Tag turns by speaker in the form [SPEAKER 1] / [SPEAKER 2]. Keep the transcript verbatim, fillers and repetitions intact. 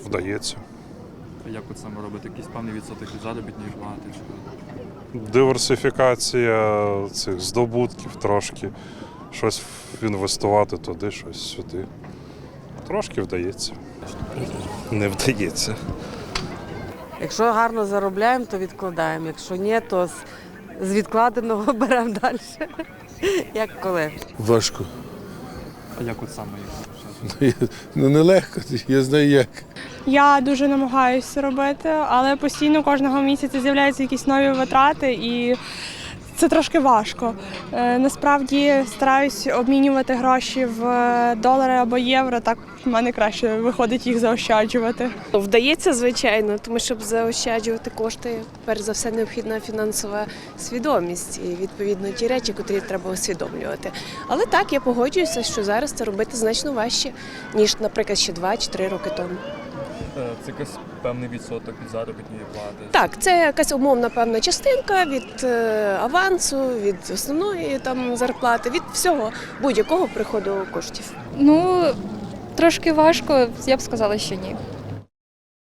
[SPEAKER 1] Вдається.
[SPEAKER 2] Як от саме робити? Якийсь певний відсоток від заробітної плати? Чи...
[SPEAKER 1] Диверсифікація цих здобутків трошки. Щось інвестувати туди, щось сюди. Трошки вдається. Не вдається.
[SPEAKER 3] Якщо гарно заробляємо, то відкладаємо. Якщо ні, то з, з відкладеного беремо далі. Як коли.
[SPEAKER 4] Важко.
[SPEAKER 2] А як от саме їх?
[SPEAKER 4] Ну нелегко, я знаю як.
[SPEAKER 5] Я дуже намагаюся робити, але постійно кожного місяця з'являються якісь нові витрати і це трошки важко. Е, насправді стараюсь обмінювати гроші в долари або євро, так в мене краще виходить їх заощаджувати.
[SPEAKER 6] Вдається, звичайно, тому щоб заощаджувати кошти, перш за все необхідна фінансова свідомість і, відповідно, ті речі, котрі треба усвідомлювати. Але так, я погоджуюся, що зараз це робити значно важче, ніж, наприклад, ще два чи три роки тому.
[SPEAKER 2] Це якийсь певний відсоток від заробітної плати?
[SPEAKER 6] Так, це якась умовна певна частинка від е, авансу, від основної там зарплати, від всього, будь-якого приходу коштів.
[SPEAKER 7] Ну, трошки важко, я б сказала, що ні.